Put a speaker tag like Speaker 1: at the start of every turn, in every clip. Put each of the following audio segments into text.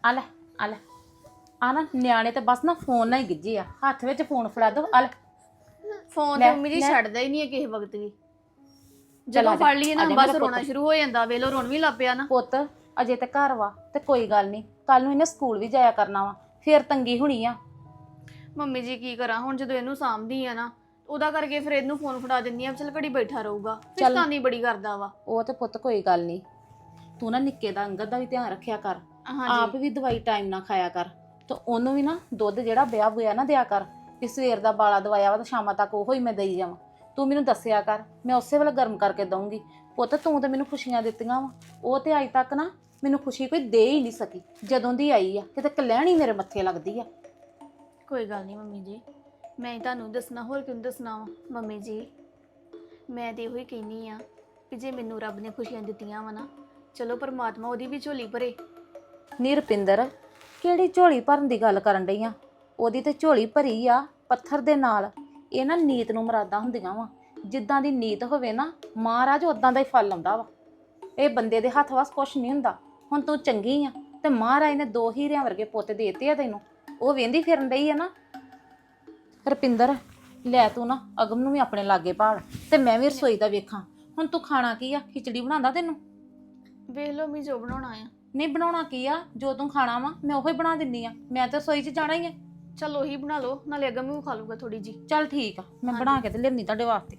Speaker 1: ਆ ਲੈ ਆ ਲੈ ਆ ਨਾ ਨਿਆਣੇ ਤੇ ਬਸ ਨਾ ਫੋਨ ਨਾਲ ਹੀ ਗਿੱਜੇ ਆ ਹੱਥ ਵਿੱਚ ਫੋਨ ਫੜਾ ਦੋ ਆ ਲੈ
Speaker 2: ਫੋਨ ਤੇ ਮੰਮੀ ਜੀ ਛੱਡਦਾ ਹੀ ਨਹੀਂ ਹੈ ਕਿਸੇ ਵਕਤ ਵੀ ਜਦੋਂ ਫੜ ਲਈਏ ਨਾ ਬਸ ਰੋਣਾ ਸ਼ੁਰੂ ਹੋ ਜਾਂਦਾ ਵੇਲੋ ਰੋਣ ਵੀ ਲੱਗ ਪਿਆ ਨਾ
Speaker 1: ਪੁੱਤ ਅਜੇ ਤੇ ਘਰ ਵਾ ਤੇ ਕੋਈ ਗੱਲ ਨਹੀਂ ਕੱਲ ਨੂੰ ਇਹਨੇ ਸਕੂਲ ਵੀ ਜਾਇਆ ਕਰਨਾ ਵਾ ਫੇਰ ਤੰਗੀ ਹੋਣੀ ਆ।
Speaker 2: ਮੰਮੀ ਜੀ ਕੀ ਕਰਾਂ ਹੁਣ ਜਦੋਂ ਇਹਨੂੰ ਸਾਂਭਦੀ ਆ ਨਾ ਉਹਦਾ ਕਰਕੇ ਫਿਰ ਇਹਨੂੰ ਫੋਨ ਫੜਾ ਦਿੰਦੀ ਆ ਚਲ ਘੜੀ ਬੈਠਾ ਰਹੂਗਾ ਫਿਰ ਤਾਨੀ ਬੜੀ ਕਰਦਾ ਵਾ।
Speaker 1: ਉਹ ਤੇ ਪੁੱਤ ਕੋਈ ਗੱਲ ਨਹੀਂ ਤੂੰ ਨਾ ਨਿੱਕੇ ਦਾ ਅੰਗਦ ਦਾ ਵੀ ਧਿਆਨ ਰੱਖਿਆ ਕਰ ਆਪ ਵੀ ਦਵਾਈ ਟਾਈਮ ਨਾਲ ਖਾਇਆ ਕਰ ਤੇ ਉਹਨੂੰ ਵੀ ਨਾ ਦੁੱਧ ਜਿਹੜਾ ਵਿਆਹ ਹੋਇਆ ਨਾ ਦਿਆ ਕਰ ਕਿ ਸਵੇਰ ਦਾ ਬਾਲਾ ਦਵਾਇਆ ਵਾ ਤਾਂ ਸ਼ਾਮਾਂ ਤੱਕ ਉਹੋ ਹੀ ਮੈਂ ਦੇਈ ਜਾਵਾਂ। ਤੂੰ ਮੈਨੂੰ ਦੱਸਿਆ ਕਰ ਮੈਂ ਉਸੇ ਵੇਲੇ ਗਰਮ ਕਰਕੇ ਦਊਂਗੀ। ਪੁੱਤ ਤੂੰ ਤਾਂ ਮੈਨੂੰ ਖੁਸ਼ੀਆਂ ਦਿੱਤੀਆਂ ਵਾ ਉਹ ਤੇ ਅੱਜ ਤੱਕ ਨਾ ਮੈਨੂੰ ਖੁਸ਼ੀ ਕੋਈ ਦੇ ਹੀ ਨਹੀਂ ਸਕੀ ਜਦੋਂ ਦੀ ਆਈ ਆ ਕਿਤੇ ਕਲਹਿਣੀ ਮੇਰੇ ਮੱਥੇ ਲੱਗਦੀ ਆ।
Speaker 2: ਕੋਈ ਗੱਲ ਨਹੀਂ ਮੰਮੀ ਜੀ ਮੈਂ ਹੀ ਤੁਹਾਨੂੰ ਦੱਸਣਾ ਹੋਰ ਕਿਉਂ ਦੱਸਣਾ ਵਾ। ਮੰਮੀ ਜੀ ਮੈਂ ਤੇ ਇਹੋ ਹੀ ਕਹਿੰਦੀ ਆ ਕਿ ਜੇ ਮੈਨੂੰ ਰੱਬ ਨੇ ਖੁਸ਼ੀਆਂ ਦਿੱਤੀਆਂ ਵਾ ਨਾ ਚਲੋ ਪਰਮਾਤਮਾ ਉਹਦੀ ਵੀ ਝੋਲੀ ਭਰੇ।
Speaker 1: ਨੀ ਰੁਪਿੰਦਰ ਕਿਹੜੀ ਝੋਲੀ ਭਰਨ ਦੀ ਗੱਲ ਕਰਨ ਡਈ ਆ ਉਹਦੀ ਤੇ ਝੋਲੀ ਭਰੀ ਆ ਪੱਥਰ ਦੇ ਨਾਲ। ਇਹ ਨਾ ਨੀਤ ਨੂੰ ਮੁਰਾਦਾਂ ਹੁੰਦੀਆਂ ਵਾ ਜਿੱਦਾਂ ਦੀ ਨੀਤ ਹੋਵੇ ਨਾ ਮਹਾਰਾਜ ਉਦਾਂ ਦਾ ਹੀ ਫਲ ਆਉਂਦਾ ਵਾ। ਇਹ ਬੰਦੇ ਦੇ ਹੱਥ ਵਾਸ ਕੁਛ ਨਹੀਂ ਹੁੰਦਾ। ਹੁਣ ਤੂੰ ਚੰਗੀ ਆ ਤੇ ਮਹਾਰਾਜ ਨੇ 2 ਹੀਰਿਆਂ ਵਰਗੇ ਪੁੱਤ ਦੇਤੇ ਆ ਤੈਨੂੰ ਉਹ ਵੇਂਦੀ ਫਿਰਨ ਡਈ ਆ ਨਾ। ਰੁਪਿੰਦਰ ਲੈ ਤੂੰ ਨਾ ਅਗਮ ਨੂੰ ਵੀ ਆਪਣੇ ਲਾਗੇ ਭਾਲ ਤੇ ਮੈਂ ਵੀ ਰਸੋਈ ਦਾ ਵੇਖਾਂ। ਹੁਣ ਤੂੰ ਖਾਣਾ ਕੀ ਆ ਖਿਚੜੀ ਬਣਾਉਂਦਾ ਤੈਨੂੰ?
Speaker 2: ਵੇਖ ਲਓ ਮੈਂ ਜੋ ਬਣਾਉਣਾ ਆ।
Speaker 1: ਨਹੀਂ ਬਣਾਉਣਾ ਕੀ ਆ ਜੋ ਤੂੰ ਖਾਣਾ ਵਾ ਮੈਂ ਉਹੀ ਬਣਾ ਦਿੰਦੀ ਆ ਮੈਂ ਤਾਂ ਰਸੋਈ 'ਚ ਜਾਣਾ ਹੀ ਆ।
Speaker 2: ਚਲ ਉਹੀ ਬਣਾ ਲਓ ਨਾਲੇ ਅਗਮ ਵੀ ਖਾ ਲੂਗਾ ਥੋੜੀ ਜੀ।
Speaker 1: ਚੱਲ ਠੀਕ ਆ ਮੈਂ ਬਣਾ ਕੇ ਤੇ ਲਿਆਉਣੀ ਤੁਹਾਡੇ ਵਾਸਤੇ।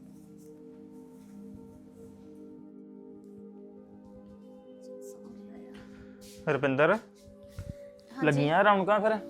Speaker 3: ਰੁਪਿੰਦਰ ਲੱਗੀਆਂ ਰੌਣਕਾਂ ਫਿਰ?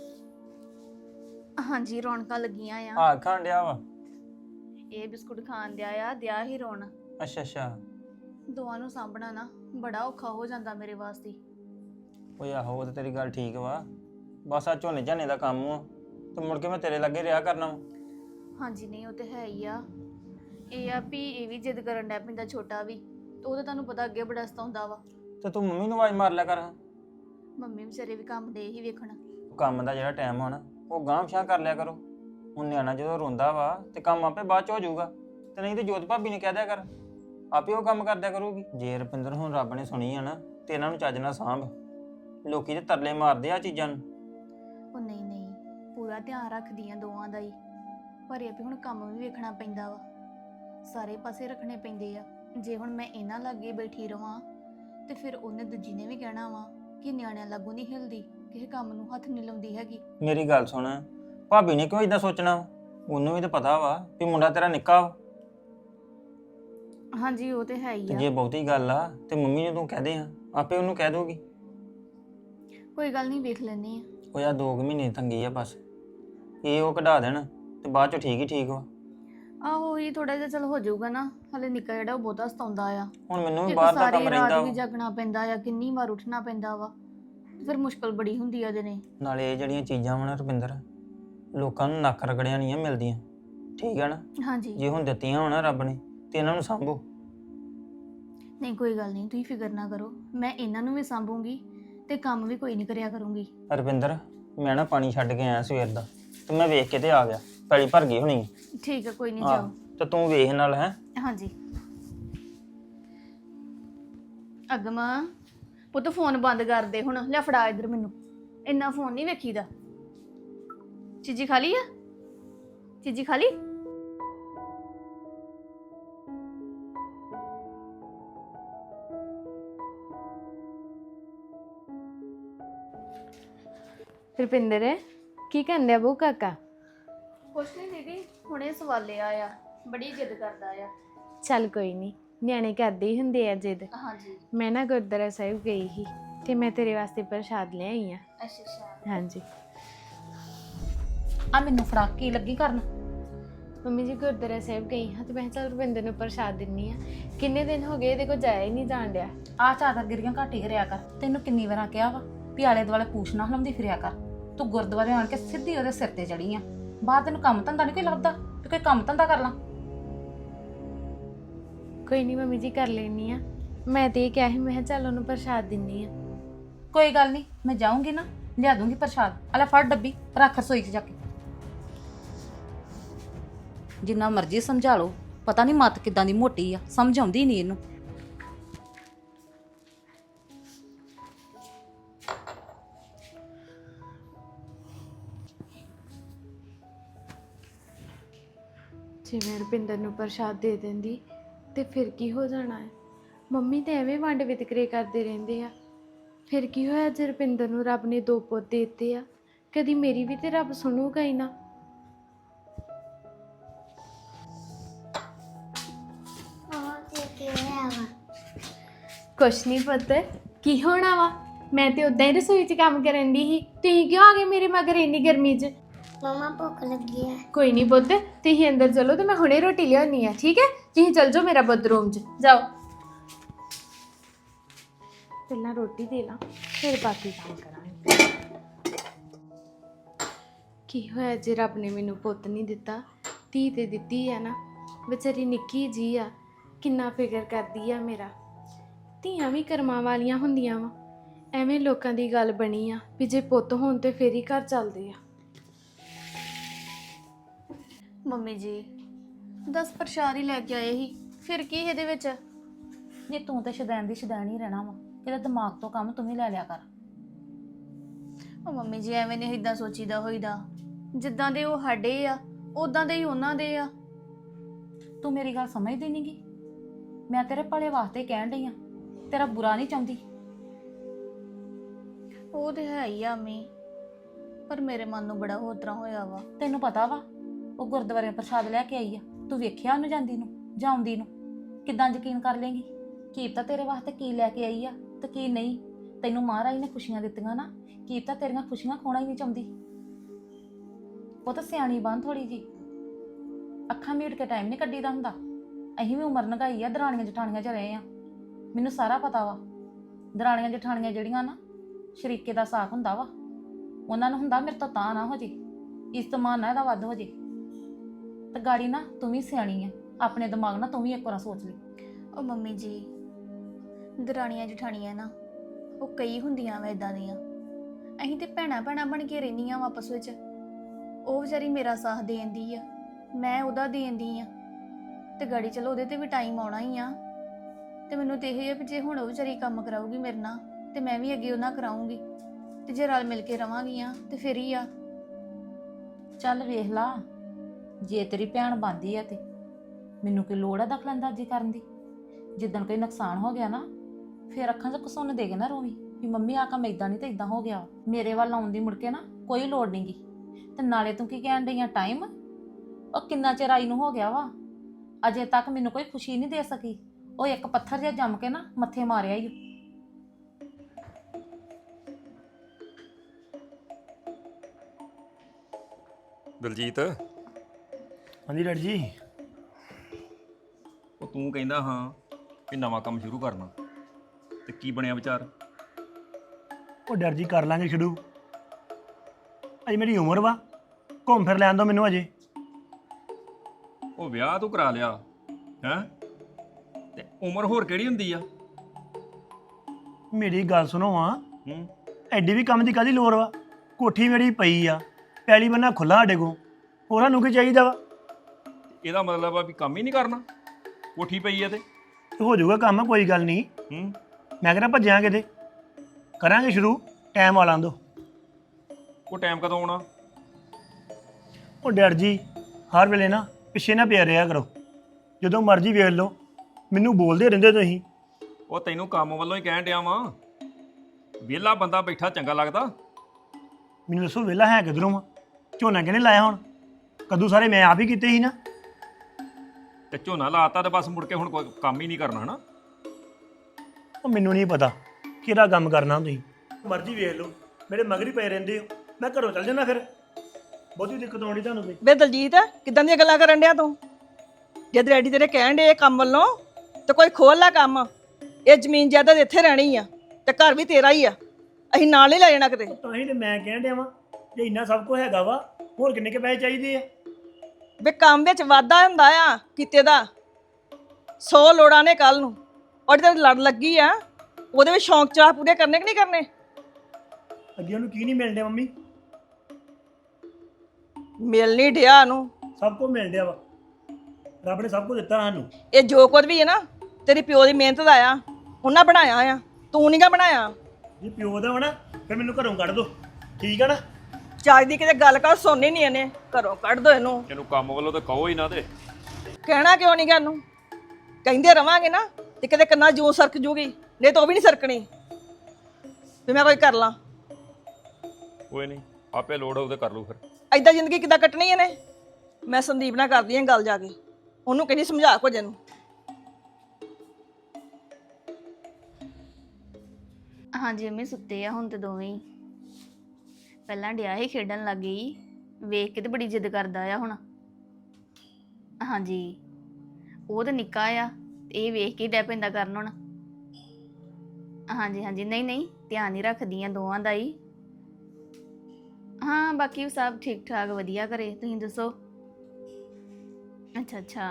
Speaker 2: ਹਾਂਜੀ ਰੌਣਕਾਂ ਲੱਗੀਆਂ ਆ।
Speaker 3: ਆ ਖਾਣ ਡਿਆ ਵਾ?
Speaker 2: ਇਹ ਬਿਸਕੁਟ ਖਾਣ ਦਿਆ ਹੀ ਰੋਣ।
Speaker 3: ਅੱਛਾ ਅੱਛਾ।
Speaker 2: ਦੋਵਾਂ ਨੂੰ ਸਾਂਭਣਾ ਨਾ ਬੜਾ ਔਖਾ ਹੋ ਜਾਂਦਾ ਮੇਰੇ ਵਾਸਤੇ।
Speaker 3: ਓਏ ਆਹੋ ਉਹ ਤੇ ਤੇਰੀ ਗੱਲ ਠੀਕ ਵਾ ਬਸ ਆ ਝੋਨੇ ਝਾਨੇ ਦਾ ਕੰਮ ਆ ਤੇ ਮੁੜ ਕੇ ਮੈਂ ਤੇਰੇ ਲੱਗੇ ਰਿਹਾ ਕਰਨਾ ਵਾ।
Speaker 2: ਹਾਂਜੀ ਨਹੀਂ ਉਹ ਤੇ ਹੈ ਹੀ ਆ। ਇਹ ਆ ਵੀ ਇਹ ਵੀ ਜਿੱਦ ਕਰਨ ਡੈ ਪੈਂਦਾ ਛੋਟਾ ਵੀ ਉਹ ਤਾਂ ਤੁਹਾਨੂੰ ਪਤਾ ਅੱਗੇ ਬੜਾ ਸਤਾਉਂਦਾ ਵਾ।
Speaker 3: ਤੇ ਤੂੰ ਮੰਮੀ ਨੂੰ ਆਵਾਜ਼ ਮਾਰ ਲਿਆ ਕਰ।
Speaker 2: ਮੰਮੀ ਵਿਚਾਰੇ ਵੀ ਕੰਮ ਦੇ ਹੀ ਵੇਖਣ।
Speaker 3: ਕੰਮ ਦਾ ਜਿਹੜਾ ਟਾਈਮ ਆ ਨਾ ਉਹ ਗਾਂਹ-ਪਛਾਂ ਕਰ ਲਿਆ ਕਰੋ। ਹੁਣ ਨਿਆਣਾ ਜਦੋਂ ਰੋਂਦਾ ਵਾ ਤੇ ਕੰਮ ਆਪੇ ਬਾਅਦ ਚ ਹੋ ਜਾਊਗਾ ਤੇ ਨਹੀਂ ਤੇ ਜੋਤ ਭਾਬੀ ਨੇ ਕਹਿ ਦਿਆ ਕਰ ਆਪੇ ਉਹ ਕੰਮ ਕਰਦਿਆ ਕਰੂਗੀ। ਜੇ ਰੁਪਿੰਦਰ ਹੁਣ ਰੱਬ ਨੇ ਸੁਣੀ ਆ ਨਾ ਤੇ ਇਹਨਾਂ ਨੂੰ ਚੱਜ ਨਾਲ ਸਾਂਭ। ਲੋਕੀ ਤੇ ਤਰਲੇ ਮਾਰਦੇ ਆ ਚੀਜ਼ਾਂ ਨੂੰ।
Speaker 2: ਉਹ ਨਹੀਂ ਨਹੀਂ ਪੂਰਾ ਧਿਆਨ ਰੱਖਦੀ ਆ ਦੋਵਾਂ ਦਾ ਹੀ ਪਰ ਇਹ ਵੀ ਹੁਣ ਕੰਮ ਵੀ ਵੇਖਣਾ ਪੈਂਦਾ ਵਾ ਸਾਰੇ ਪਾਸੇ ਰੱਖਣੇ ਪੈਂਦੇ ਆ। ਜੇ ਹੁਣ ਮੈਂ ਇਹਨਾਂ ਲਾਗੇ ਬੈਠੀ ਰਵਾਂ ਤੇ ਫਿਰ ਉਹਨੇ ਦੂਜੀ ਨੇ ਵੀ ਕਹਿਣਾ ਵਾ ਕਿ ਨਿਆਣਿਆਂ ਲਾਗੋਂ ਨਹੀਂ ਹਿਲਦੀ ਕਿਸੇ ਕੰਮ ਨੂੰ ਹੱਥ ਨਹੀਂ ਲਾਉਂਦੀ ਹੈਗੀ।
Speaker 3: ਮੇਰੀ ਗੱਲ ਸੁਣ ਭਾਬੀ ਨੇ ਕਿਉਂ ਇਦਾਂ ਸੋਚਣਾ? ਉਹਨੂੰ ਵੀ ਤਾਂ ਪਤਾ ਵਾ ਵੀ ਮੁੰਡਾ ਤੇਰਾ ਨਿੱਕਾ ਵਾ।
Speaker 2: ਹਾਂਜੀ ਉਹ ਤੇ ਹੈ ਹੀ
Speaker 3: ਤੇ
Speaker 2: ਆ।
Speaker 3: ਜੇ ਬਹੁਤੀ ਗੱਲ ਆ ਤੇ ਮੰਮੀ ਨੂੰ ਤੂੰ ਕਹਦੇ ਆ ਆਪੇ ਉਹਨੂੰ ਕਹਿ ਦੋਗੀ।
Speaker 2: ਕੋਈ ਗੱਲ ਨਹੀਂ ਵੇਖ ਲੈਨੇ ਆ।
Speaker 3: ਉਹ ਯਾਰ 2 ਮਹੀਨੇ ਤੰਗੀ ਆ ਬਸ ਇਹ ਉਹ ਕਢਾ ਦੇਣ ਤੇ ਬਾਅਦ ਚ ਠੀਕ ਹੀ ਠੀਕ ਵਾ।
Speaker 2: ਆਹੋ ਹੀ ਥੋੜਾ ਜਿਹਾ ਚਲ ਹੋ ਜਾਊਗਾ ਨਾ ਹਲੇ ਨਿੱਕਾ ਜਿਹੜਾ ਉਹ ਬਹੁਤਾ ਸਤਾਉਂਦਾ ਆ।
Speaker 3: ਹੁਣ ਮੈਨੂੰ ਵੀ
Speaker 2: ਇੱਕ
Speaker 3: ਬਾਹਰ ਦਾ
Speaker 2: ਸਾਰੀ
Speaker 3: ਕੰਮ ਰਹਿੰਦਾ
Speaker 2: ਰਾਤ ਵੀ
Speaker 3: ਵਾ।
Speaker 2: ਜਾਗਣਾ ਪੈਂਦਾ ਆ ਕਿੰਨੀ ਵਾਰ ਉੱਠਣਾ ਪੈਂਦਾ ਵਾ ਫਿਰ ਮੁਸ਼ਕਲ ਬੜੀ ਹੁੰਦੀ ਆ ਦਿਨੇ।
Speaker 3: ਨਾਲੇ ਇਹ ਜਿਹੜੀਆਂ ਚੀਜ਼ਾਂ ਵਾ ਨਾ ਰੁਪਿੰਦਰ ਲੋਕਾਂ ਨੂੰ ਨੱਕ ਰਗੜਿਆ ਨਹੀਂ ਆ ਮਿਲਦੀਆਂ ਠੀਕ ਆ ਨਾ।
Speaker 2: ਹਾਂਜੀ
Speaker 3: ਜੇ ਹੁਣ ਦਿੱਤੀਆਂ ਹੋਣਾ ਰੱਬ ਨੇ ਤੇ ਇਹਨਾਂ ਨੂੰ ਸੰਭੋ।
Speaker 2: ਨਹੀਂ ਕੋਈ ਗੱਲ ਨਹੀਂ ਤੁਸੀਂ ਫਿਕਰ ਨਾ ਕਰੋ ਮੈਂ ਇਹਨਾਂ ਨੂੰ ਵੀ ਸੰਭੂੰਗੀ ਤੇ ਕੰਮ ਵੀ ਕੋਈ ਨਹੀਂ ਕਰਿਆ ਕਰੂੰਗੀ।
Speaker 3: ਰੁਪਿੰਦਰ ਮੈਂ ਨਾ ਪਾਣੀ ਛੱਡ ਕੇ ਆਇਆ ਸਵੇਰ ਦਾ ਤੇ ਮੈਂ ਵੇਖ ਕੇ ਤੇ ਆ ਗਿਆ ਪੈਲੀ ਭਰ ਗਈ ਹੋਣੀ।
Speaker 2: ਠੀਕ ਹੈ ਕੋਈ ਨਹੀਂ
Speaker 3: ਆਹ
Speaker 2: ਜਾਓ।
Speaker 3: ਤੇ ਤੂੰ ਵੇਖ ਨਾਲ ਹੈ।
Speaker 2: ਹਾਂਜੀ ਅਗਮਾ ਪੁੱਤ ਫੋਨ ਬੰਦ ਕਰ ਦੇ ਹੁਣ ਲੈ ਫੜਾ ਇੱਧਰ ਮੈਨੂੰ ਇੰਨਾ ਫੋਨ ਨਹੀਂ ਵੇਖੀਦਾ। ਚੀਜੀ ਖਾ ਲਈ ਆ? ਚੀਜੀ ਖਾ ਲਈ?
Speaker 4: ਰੁਪਿੰਦਰ ਕੀ ਕਹਿੰਦੇ ਆ ਬੂ ਕਾਕਾ?
Speaker 2: ਕੁਛ ਨਹੀਂ ਦੀਦੀ ਹੁਣੇ ਸਵਾਲੇ ਆਇਆ ਬੜੀ ਜਿੱਦ ਕਰਦਾ ਆ।
Speaker 4: ਚੱਲ ਕੋਈ ਨਹੀਂ ਨਿਆਣੇ ਕਰਦੇ ਹੀ ਹੁੰਦੇ ਆ ਜਿੱਦ।
Speaker 2: ਹਾਂਜੀ
Speaker 4: ਮੈਂ ਨਾ ਗੁਰਦੁਆਰਾ ਸਾਹਿਬ ਗਈ ਸੀ ਤੇ ਮੈਂ ਤੇਰੇ ਵਾਸਤੇ ਪ੍ਰਸ਼ਾਦ ਲੈ ਆਈ ਆ।
Speaker 2: ਅੱਛਾ ਅੱਛਾ।
Speaker 4: ਹਾਂਜੀ
Speaker 1: ਆ ਮੈਨੂੰ ਫੜਾ ਕੀ ਲੱਗੀ ਕਰਨ?
Speaker 4: ਮੰਮੀ ਜੀ ਗੁਰਦੁਆਰਾ ਸਾਹਿਬ ਗਈ ਹਾਂ ਤੇ ਮੈਂ ਕਿਹਾ ਚੱਲ ਰੁਪਿੰਦਰ ਨੂੰ ਪ੍ਰਸ਼ਾਦ ਦਿੰਨੀ ਆ। ਕਿੰਨੇ ਦਿਨ ਹੋ ਗਏ ਇਹਦੇ ਕੋਲ ਜਾਇਆ ਹੀ ਨਹੀਂ ਜਾਣ ਡਿਆ।
Speaker 1: ਆ ਚਾਦਰਗਿਰੀਆਂ ਘੱਟ ਹੀ ਕਰਿਆ ਕਰ। ਤੈਨੂੰ ਕਿੰਨੀ ਵਾਰਾਂ ਕਿਹਾ ਵਾ ਵੀ ਆਲੇ ਦੁਆਲੇ ਪੂਛ ਨਾ ਹਲਾਉਂਦੀ ਫਿਰਿਆ ਕਰ। ਤੂੰ ਗੁਰਦੁਆਰੇ ਆਣ ਕੇ ਸਿੱਧੀ ਉਹਦੇ ਸਿਰ ਤੇ ਚੜੀ ਆ। ਬਾਹਰ ਤੈਨੂੰ ਕੰਮ ਧੰਦਾ ਨਹੀਂ ਕੋਈ ਲੱਭਦਾ ਤੇ ਕੋਈ ਕੰਮ ਧੰਦਾ ਕਰ ਲਾਂ।
Speaker 4: ਕੋਈ ਨਹੀਂ ਮੰਮੀ ਜੀ ਕਰ ਲੈਣੀ ਆ। ਮੈਂ ਤੇ ਇਹ ਕਿਹਾ ਸੀ ਮੈਂ ਕਿਹਾ ਚੱਲ ਉਹਨੂੰ ਪ੍ਰਸ਼ਾਦ ਦਿੰਨੀ ਆ।
Speaker 1: ਕੋਈ ਗੱਲ ਨਹੀਂ ਮੈਂ ਜਾਊਂਗੀ ਨਾ ਲਿਆ ਦੂੰਗੀ ਪ੍ਰਸ਼ਾਦ। ਆ ਲੈ ਫੜ ਡੱਬੀ ਰੱਖ ਰਸੋਈ 'ਚ ਜਾ ਕੇ। ਜਿੰਨਾ ਮਰਜ਼ੀ ਸਮਝਾ ਲਓ ਪਤਾ ਨਹੀਂ ਮੱਤ ਕਿੱਦਾਂ ਦੀ ਮੋਟੀ ਆ ਸਮਝ ਆਉਂਦੀ ਨਹੀਂ ਇਹਨੂੰ।
Speaker 4: ਜੇ ਮੈਂ ਰੁਪਿੰਦਰ ਨੂੰ ਪ੍ਰਸ਼ਾਦ ਦੇ ਦਿੰਦੀ ਤੇ ਫਿਰ ਕੀ ਹੋ ਜਾਣਾ ਹੈ। ਮੰਮੀ ਤੇ ਐਵੇਂ ਵੰਡ ਵਿਤਕਰੇ ਕਰਦੇ ਰਹਿੰਦੇ ਆ। ਫਿਰ ਕੀ ਹੋਇਆ ਜੇ ਰੁਪਿੰਦਰ ਨੂੰ ਰੱਬ ਨੇ 2 ਪੁੱਤ ਦੇ ਦਿੱਤੇ ਆ, ਕਦੀ ਮੇਰੀ ਵੀ ਤੇ ਰੱਬ ਸੁਣੂਗਾ ਹੀ ਨਾ। ਕੁਛ ਨਹੀਂ ਪੁੱਤ, ਕੀ ਹੋਣਾ ਵਾ। ਮੈਂ ਤੇ ਉਦਾਂ ਹੀ ਰਸੋਈ 'ਚ ਕੰਮ ਕਰਨ ਦੀ ਸੀ। ਤੁਸੀਂ ਕਿਉਂ ਆ ਗਏ ਮੇਰੇ ਮਗਰ ਇੰਨੀ ਗਰਮੀ 'ਚ?
Speaker 5: ਮਮਾ ਭੁੱਖ ਲੱਗੀ ਹੈ।
Speaker 4: ਕੋਈ ਨਹੀਂ ਪੁੱਤ, ਤੁਸੀਂ ਅੰਦਰ ਚਲੋ ਤੇ ਮੈਂ ਹੁਣੇ ਰੋਟੀ ਲਿਆਉਣੀ ਆ, ਠੀਕ ਹੈ? ਤੁਸੀਂ ਚਲ ਜਾਓ ਮੇਰਾ ਬੈਡਰੂਮ 'ਚ, ਜਾਓ। ਪਹਿਲਾਂ ਰੋਟੀ ਦੇ ਲਾਂ ਫਿਰ ਬਾਕੀ ਕੰਮ ਕਰਾਂਗੇ। ਕੀ ਹੋਇਆ ਜੇ ਰੱਬ ਨੇ ਮੈਨੂੰ ਪੁੱਤ ਨਹੀਂ ਦਿੱਤਾ, ਧੀ ਤੇ ਦਿੱਤੀ ਆ ਨਾ। ਵਿਚਾਰੀ ਨਿੱਕੀ ਜੀ ਆ, ਕਿੰਨਾ ਫਿਕਰ ਕਰਦੀ ਆ ਮੇਰਾ। ਧੀਆਂ ਵੀ ਕਰਮਾਂ ਵਾਲੀਆਂ ਹੁੰਦੀਆਂ ਵਾ। ਐਵੇਂ ਲੋਕਾਂ ਦੀ ਗੱਲ ਬਣੀ ਆ ਵੀ ਜੇ ਪੁੱਤ ਹੋਣ ਤੇ ਫੇਰ ਹੀ ਘਰ ਚੱਲਦੇ ਆ।
Speaker 2: ਮੰਮੀ ਜੀ 10 ਪ੍ਰਸ਼ਾਦ ਹੀ ਲੈ ਕੇ ਆਏ ਸੀ, ਫਿਰ ਕੀ ਇਹਦੇ ਵਿੱਚ?
Speaker 1: ਜੇ ਤੂੰ ਤੇ ਸ਼ੁਦੈਣ ਦੀ ਸ਼ੁਦੈਣ ਹੀ ਰਹਿਣਾ ਵਾ, ਇਹਦਾ ਦਿਮਾਗ ਤੋਂ ਕੰਮ ਤੂੰ ਵੀ ਲੈ ਲਿਆ ਕਰ।
Speaker 2: ਉਹ ਮੰਮੀ ਜੀ ਐਵੇਂ ਨਹੀਂ ਇਦਾਂ ਸੋਚੀਦਾ ਹੋਈਦਾ। ਜਿੱਦਾਂ ਦੇ ਉਹ ਸਾਡੇ ਆ ਉਦਾਂ ਦੇ ਹੀ ਉਹਨਾਂ ਦੇ ਆ।
Speaker 1: ਤੂੰ ਮੇਰੀ ਗੱਲ ਸਮਝਦੀ ਨਹੀਂਗੀ। ਮੈਂ ਤੇਰੇ ਭਲੇ ਵਾਸਤੇ ਕਹਿਣ ਡਈ ਆ, ਤੇਰਾ ਬੁਰਾ ਨਹੀਂ ਚਾਹੁੰਦੀ।
Speaker 2: ਉਹ ਤੇ ਹੈ ਹੀ ਆ ਅੰਮੀ, ਪਰ ਮੇਰੇ ਮਨ ਨੂੰ ਬੜਾ ਹੋਰ ਤਰ੍ਹਾਂ ਹੋਇਆ ਵਾ।
Speaker 1: ਤੈਨੂੰ ਪਤਾ ਵਾ ਉਹ ਗੁਰਦੁਆਰੇ ਪ੍ਰਸ਼ਾਦ ਲੈ ਕੇ ਆਈ ਆ, ਤੂੰ ਵੇਖਿਆ ਉਹਨੂੰ ਜਾਂਦੀ ਨੂੰ ਜਾਂ ਆਉਂਦੀ ਨੂੰ? ਕਿੱਦਾਂ ਯਕੀਨ ਕਰ ਲੇਂਗੀ ਕੀ ਪਤਾ ਤੇਰੇ ਵਾਸਤੇ ਕੀ ਲੈ ਕੇ ਆਈ ਆ ਤੇ ਕੀ ਨਹੀਂ। ਤੈਨੂੰ ਮਹਾਰਾਜ ਨੇ ਖੁਸ਼ੀਆਂ ਦਿੱਤੀਆਂ ਨਾ, ਕੀ ਪਤਾ ਤੇਰੀਆਂ ਖੁਸ਼ੀਆਂ ਖੋਣਾ ਹੀ ਨਹੀਂ ਚਾਹੁੰਦੀ। ਉਹ ਤਾਂ ਸਿਆਣੀ ਬਣ ਥੋੜੀ ਜੀ, ਅੱਖਾਂ ਮੀਟ ਕੇ ਟਾਈਮ ਨਹੀਂ ਕੱਢੀਦਾ ਹੁੰਦਾ। ਅਸੀਂ ਵੀ ਉਮਰ ਲੰਘਾਈ ਆ, ਦਰਾਣੀਆਂ ਜਠਾਣੀਆਂ 'ਚ ਰਹੇ ਆ, ਮੈਨੂੰ ਸਾਰਾ ਪਤਾ ਵਾ। ਦਰਾਣੀਆਂ ਜਠਾਣੀਆਂ ਜਿਹੜੀਆਂ ਨਾ ਸ਼ਰੀਕੇ ਦਾ ਸਾਥ ਹੁੰਦਾ ਵਾ, ਉਹਨਾਂ ਨੂੰ ਹੁੰਦਾ ਮੇਰੇ ਤੋਂ ਤਾਂ ਨਾ ਹੋ ਜੇ, ਇਸਤਮਾਨ ਨਾ ਇਹਦਾ ਵੱਧ ਹੋ ਜੇ। ਤੇ ਗਾੜੀ ਨਾ ਤੂੰ ਵੀ ਸਿਆਣੀ ਆ, ਆਪਣੇ ਦਿਮਾਗ ਨਾਲ ਤੂੰ ਵੀ ਇੱਕ ਵਾਰ ਸੋਚ ਲਈ।
Speaker 2: ਉਹ ਮੰਮੀ ਜੀ ਦਰਾਣੀਆਂ ਜਠਾਣੀਆਂ ਨਾ ਉਹ ਕਈ ਹੁੰਦੀਆਂ ਵਾ ਇਦਾਂ ਦੀਆਂ। ਅਸੀਂ ਤੇ ਭੈਣਾਂ ਬਣ ਕੇ ਰਹਿੰਦੀਆਂ ਵਾ ਆਪਸ ਵਿੱਚ। ਉਹ ਵਿਚਾਰੀ ਮੇਰਾ ਸਾਥ ਦੇਂਦੀ ਆ, ਮੈਂ ਉਹਦਾ ਦੇਂਦੀ ਆ, ਤੇ ਗਾੜੀ ਚਲੋ ਉਹਦੇ ਤੇ ਵੀ ਟਾਈਮ ਆਉਣਾ ਹੀ ਆ। ਤੇ ਮੈਨੂੰ ਤੇ ਇਹ ਆ ਵੀ ਜੇ ਹੁਣ ਉਹ ਵਿਚਾਰੀ ਕੰਮ ਕਰਾਊਗੀ ਮੇਰੇ ਨਾਲ ਤੇ ਮੈਂ ਵੀ ਅੱਗੇ ਉਹਨਾਂ ਕਰਾਉਂਗੀ, ਤੇ ਜੇ ਰਲ ਮਿਲ ਕੇ ਰਵਾਂਗੀਆਂ ਤੇ ਫਿਰ ਹੀ ਆ।
Speaker 1: ਚੱਲ ਵੇਖ ਲਾ, ਜੇ ਤੇਰੀ ਭੈਣ ਬਣਦੀ ਆ ਤੇ ਮੈਨੂੰ ਕੀ ਲੋੜ ਆ ਦਖਲਅੰਦਾਜ਼ੀ ਕਰਨ ਦੀ। ਜਿੱਦਣ ਕੋਈ ਨੁਕਸਾਨ ਹੋ ਗਿਆ ਨਾ, ਫਿਰ ਅੱਖਾਂ 'ਚ ਘਸੁੰਨ ਦੇ ਕੇ ਨਾ ਰੋਵੀਂ ਵੀ ਮੰਮੀ ਆ ਕੰਮ ਇਦਾਂ ਨਹੀਂ ਤੇ ਇਦਾਂ ਹੋ ਗਿਆ। ਮੇਰੇ ਵੱਲ ਆਉਣ ਦੀ ਮੁੜ ਕੇ ਨਾ ਕੋਈ ਲੋੜ ਨਹੀਂਗੀ। ਤੇ ਨਾਲੇ ਤੂੰ ਕੀ ਕਹਿਣ ਡਈ ਆ ਟਾਈਮ? ਉਹ ਕਿੰਨਾ ਚਿਰ ਆਈ ਨੂੰ ਹੋ ਗਿਆ ਵਾ, ਅਜੇ ਤੱਕ ਮੈਨੂੰ ਕੋਈ ਖੁਸ਼ੀ ਨਹੀਂ ਦੇ ਸਕੀ। ਉਹ ਇੱਕ ਪੱਥਰ ਜਿਹਾ ਜੰਮ ਕੇ ਨਾ ਮੱਥੇ ਮਾਰਿਆ ਹੀ।
Speaker 6: ਦਲਜੀਤ,
Speaker 7: ਹਾਂਜੀ ਡੈਡੀ ਜੀ।
Speaker 6: ਉਹ ਤੂੰ ਕਹਿੰਦਾ ਹਾਂ ਕਿ ਨਵਾਂ ਕੰਮ ਸ਼ੁਰੂ ਕਰਨਾ, ਤੇ ਕੀ ਬਣਿਆ ਵਿਚਾਰ?
Speaker 7: ਉਹ ਡੈਡੀ ਜੀ ਕਰ ਲਾਂਗੇ ਸ਼ੁਰੂ। ਅਜੇ ਮੇਰੀ ਉਮਰ ਵਾ, ਘੁੰਮ ਫਿਰ ਲੈਣ ਦੋ ਮੈਨੂੰ ਅਜੇ।
Speaker 6: ਉਹ ਵਿਆਹ ਤੂੰ ਕਰਾ ਲਿਆ ਹੈਂ, ਤੇ ਉਮਰ ਹੋਰ ਕਿਹੜੀ ਹੁੰਦੀ ਆ?
Speaker 7: ਮੇਰੀ ਗੱਲ ਸੁਣੋ ਆ,
Speaker 6: ਹੂੰ,
Speaker 7: ਐਡੀ ਵੀ ਕੰਮ ਦੀ ਕਾਹਦੀ ਲੋੜ ਵਾ? ਕੋਠੀ ਮੇਰੀ ਪਈ ਆ, ਪੈਲੀ ਬੰਨਾ ਖੁੱਲਾ ਸਾਡੇ ਕੋਲ, ਹੋਰਾਂ ਨੂੰ ਕੀ ਚਾਹੀਦਾ ਵਾ?
Speaker 6: ਇਹਦਾ ਮਤਲਬ ਆ ਵੀ ਕੰਮ ਹੀ ਨਹੀਂ ਕਰਨਾ? ਕੋਠੀ ਪਈ ਆ ਤੇ
Speaker 7: ਤੇ ਹੋ ਜਾਊਗਾ ਕੰਮ, ਕੋਈ ਗੱਲ ਨਹੀਂ।
Speaker 6: ਹੂੰ,
Speaker 7: ਮੈਂ ਕਹਿੰਦਾ ਭੱਜਿਆ ਕਿਤੇ, ਕਰਾਂਗੇ ਸ਼ੁਰੂ, ਟਾਈਮ ਆ ਲਾਂ ਦੋ।
Speaker 6: ਉਹ ਟਾਈਮ ਕਦੋਂ ਆਉਣਾ?
Speaker 7: ਉਹ ਡੈਡੀ ਜੀ ਹਰ ਵੇਲੇ ਨਾ ਪਿੱਛੇ ਨਾ ਪਿਆ ਰਿਹਾ ਕਰੋ, ਜਦੋਂ ਮਰਜ਼ੀ ਵੇਖ ਲਓ, ਮੈਨੂੰ ਬੋਲਦੇ ਰਹਿੰਦੇ ਤੁਸੀਂ।
Speaker 6: ਉਹ ਤੈਨੂੰ ਕੰਮ ਵੱਲੋਂ ਹੀ ਕਹਿਣ ਡਿਆ ਵਾਂ, ਵਿਹਲਾ ਬੰਦਾ ਬੈਠਾ ਚੰਗਾ ਲੱਗਦਾ?
Speaker 7: ਮੈਨੂੰ ਦੱਸੋ ਵਿਹਲਾ ਹੈ ਕਿੱਧਰੋਂ ਵਾ? ਝੋਨਾ ਕਿਹਨੇ ਲਾਇਆ ਹੁਣ? ਕਦੋਂ ਸਾਰੇ ਮੈਂ ਆਪ ਹੀ ਕੀਤੇ ਸੀ ਨਾ।
Speaker 6: ਤੇ ਝੋਨਾ ਲਾਤਾ ਤੇ ਬਸ ਮੁੜ ਕੇ ਹੁਣ ਕੋਈ ਕੰਮ ਹੀ ਨਹੀਂ ਕਰਨਾ ਹਨਾ?
Speaker 7: ਉਹ ਮੈਨੂੰ ਨਹੀਂ ਪਤਾ ਕਿਹੜਾ ਕੰਮ ਕਰਨਾ ਤੁਸੀਂ, ਮਰਜ਼ੀ ਵੇਖ ਲਓ, ਮੇਰੇ ਮਗਰ ਹੀ ਪਏ ਰਹਿੰਦੇ ਹੋ। ਮੈਂ ਘਰੋਂ ਚੱਲ ਜਾਣਾ, ਫਿਰ ਬਹੁਤੀ ਦਿੱਕਤ ਆਉਣੀ ਤੁਹਾਨੂੰ ਕੋਈ।
Speaker 8: ਬੇ ਦਲਜੀਤ ਕਿੱਦਾਂ ਦੀਆਂ ਗੱਲਾਂ ਕਰਨ ਡਿਆ ਤੂੰ? ਜੇ ਡੈਡੀ ਤੇਰੇ ਕਹਿਣ ਡੇ ਕੰਮ ਵੱਲੋਂ ਤੇ ਕੋਈ ਖੋਲ ਲੈ ਕੰਮ। ਇਹ ਜ਼ਮੀਨ ਜਾਇਦਾਦ ਇੱਥੇ ਰਹਿਣੀ ਆ ਤੇ ਘਰ ਵੀ ਤੇਰਾ ਹੀ ਆ, ਅਸੀਂ ਨਾਲ ਹੀ ਲੈ ਜਾਣਾ ਕਿਤੇ।
Speaker 7: ਤਾਂ ਹੀ ਤੇ ਮੈਂ ਕਹਿਣ ਡਿਆ ਵਾਂ, ਜੇ ਇੰਨਾ ਸਭ ਕੁਝ ਹੈਗਾ ਵਾ, ਹੋਰ ਕਿੰਨੇ ਕੇ ਪੈਸੇ ਚਾਹੀਦੇ ਆ?
Speaker 8: ਬੇ ਕੰਮ ਵਿੱਚ ਵਾਧਾ ਹੁੰਦਾ ਆ ਕੀਤੇ ਦਾ। 100 ਲੋੜਾਂ ਨੇ ਕੱਲ ਨੂੰ, ਔਰ ਤੇ ਲੜ ਲੱਗੀ ਆ, ਉਹਦੇ ਵਿੱਚ ਸ਼ੌਂਕ ਚਾਹ ਪੂਰੇ ਕਰਨੇ ਕਿ ਨਹੀਂ ਕਰਨੇ?
Speaker 7: ਅੱਗੇ ਉਹਨੂੰ ਕੀ ਨਹੀਂ ਮਿਲ ਡਿਆ ਮੰਮੀ?
Speaker 8: ਮਿਲ ਨਹੀਂ ਡਿਆ ਉਹਨੂੰ,
Speaker 7: ਸਭ ਕੁਝ ਮਿਲ ਡਿਆ ਵਾ, ਰੱਬ ਨੇ ਸਭ ਕੁਝ ਦਿੱਤਾ ਸਾਨੂੰ।
Speaker 8: ਇਹ ਜੋ ਕੁਝ ਵੀ ਹੈ ਨਾ ਤੇਰੀ ਪਿਓ ਦੀ ਮਿਹਨਤ ਦਾ ਆ, ਉਹਨਾਂ ਬਣਾਇਆ ਆ, ਤੂੰ ਨੀ ਗਾ ਬਣਾਇਆ।
Speaker 7: ਜੇ ਪਿਓ ਦਾ ਵਾ ਨਾ, ਫਿਰ ਮੈਨੂੰ ਘਰੋਂ ਕੱਢ ਦੋ, ਠੀਕ ਆ ਨਾ?
Speaker 8: ਚੱਜ ਦੀ ਕਿਤੇ ਗੱਲ ਕਰ, ਸੁਣਨੀ ਨਹੀਂ ਇਹਨੇ, ਘਰੋਂ ਕੱਢ ਦੋ ਇਹਨੂੰ।
Speaker 6: ਇਹਨੂੰ ਕੰਮ ਵੱਲੋਂ ਤਾਂ ਕਹੋ ਹੀ ਨਾ ਤੇ
Speaker 8: ਕਹਿਣਾ ਕਿਉਂ ਨਹੀਂ ਉਹਨੂੰ? ਕਹਿੰਦੇ ਰਵਾਂਗੇ ਨਾ ਤੇ ਕਿਤੇ ਕੰਨਾਂ ਜੂ ਸਰਕ ਜੂਗੀ, ਨਹੀਂ ਤਾਂ ਉਹ ਵੀ ਨਹੀਂ ਸਰਕਣੀ ਵੀ ਮੈਂ ਕੋਈ ਕਰ ਲਾਂ।
Speaker 6: ਕੋਈ ਨਹੀਂ, ਆਪੇ ਲੋੜ ਹੋਊ ਤੇ ਕਰ ਲੂ ਫਿਰ।
Speaker 8: ਐਦਾਂ ਜ਼ਿੰਦਗੀ ਕਿੱਦਾਂ ਕੱਟਣੀ ਇਹਨੇ? ਮੈਂ ਸੰਦੀਪ ਨਾਲ ਕਰਦੀ ਹਾਂ ਗੱਲ ਜਾ ਕੇ, ਉਹਨੂੰ ਕਹਿੰਦੀ ਸਮਝਾ ਕੁਝ ਇਹਨੂੰ।
Speaker 2: ਹਾਂਜੀ ਮੰਮੀ ਸੁੱਤੇ ਆ ਹੁਣ ਤੇ ਦੋਵੇਂ ਹੀ। ਪਹਿਲਾਂ ਡਿਆ ਸੀ ਖੇਡਣ ਲੱਗ ਗਈ, ਵੇਖ ਕੇ ਤੇ ਬੜੀ ਜਿੱਦ ਕਰਦਾ ਆ ਹੁਣ। ਹਾਂਜੀ ਉਹ ਤਾਂ ਨਿੱਕਾ ਆ, ਇਹ ਵੇਖ ਕੇ ਹੀ ਡੈ ਪੈਂਦਾ ਕਰਨ ਹੁਣ। ਹਾਂਜੀ ਹਾਂਜੀ, ਨਹੀਂ ਨਹੀਂ ਧਿਆਨ ਹੀ ਰੱਖਦੀ ਆ ਦੋਵਾਂ ਦਾ ਹੀ। ਹਾਂ ਬਾਕੀ ਸਭ ਠੀਕ ਠਾਕ ਵਧੀਆ ਘਰੇ, ਤੁਸੀਂ ਦੱਸੋ? ਅੱਛਾ ਅੱਛਾ,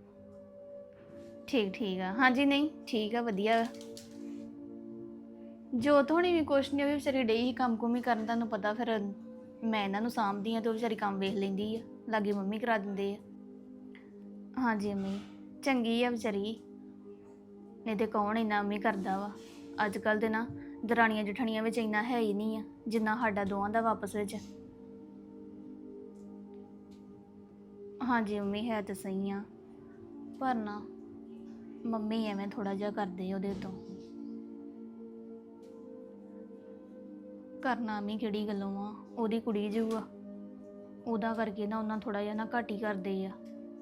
Speaker 2: ਠੀਕ ਠੀਕ ਆ। ਹਾਂਜੀ ਨਹੀਂ ਠੀਕ ਆ ਵਧੀਆ। ਜੋਤ ਹੋਣੀ ਵੀ ਕੁਛ ਨਹੀਂ, ਉਹ ਵੀ ਵਿਚਾਰੀ ਡਈ ਹੀ ਕੰਮ ਕੁਮ ਹੀ ਕਰਨ, ਤੁਹਾਨੂੰ ਪਤਾ ਫਿਰ ਮੈਂ ਇਹਨਾਂ ਨੂੰ ਸਾਂਭਦੀ ਆ ਤੇ ਉਹ ਵਿਚਾਰੀ ਕੰਮ ਵੇਖ ਲੈਂਦੀ ਆ, ਲਾਗੇ ਮੰਮੀ ਕਰਾ ਦਿੰਦੇ ਆ। ਹਾਂਜੀ ਮੰਮੀ ਚੰਗੀ ਆ ਵਿਚਾਰੀ, ਨਹੀਂ ਤੇ ਕੌਣ ਇੰਨਾ ਮੰਮੀ ਕਰਦਾ ਵਾ। ਅੱਜ ਕੱਲ੍ਹ ਦੇ ਨਾ ਦਰਾਣੀਆਂ ਜਠਾਣੀਆਂ ਵਿੱਚ ਇੰਨਾ ਹੈ ਹੀ ਨਹੀਂ ਆ ਜਿੰਨਾ ਸਾਡਾ ਦੋਵਾਂ ਦਾ ਵਾਪਸ ਵਿੱਚ। ਹਾਂਜੀ ਮੰਮੀ ਹੈ ਤਾਂ ਸਹੀ ਆ, ਪਰ ਨਾ ਮੰਮੀ ਐਵੇਂ ਥੋੜਾ ਜਿਹਾ ਕਰਦੇ ਉਹਦੇ ਤੋਂ। ਕਰਨਾ ਮੈਂ ਕਿਹੜੀ ਗੱਲੋਂ ਆ, ਉਹਦੀ ਕੁੜੀ ਜੂ ਆ, ਉਹਦਾ ਕਰਕੇ ਨਾ ਉਹਨਾਂ ਥੋੜਾ ਜਿਹਾ ਨਾ ਘੱਟ ਹੀ ਕਰਦੇ ਆ।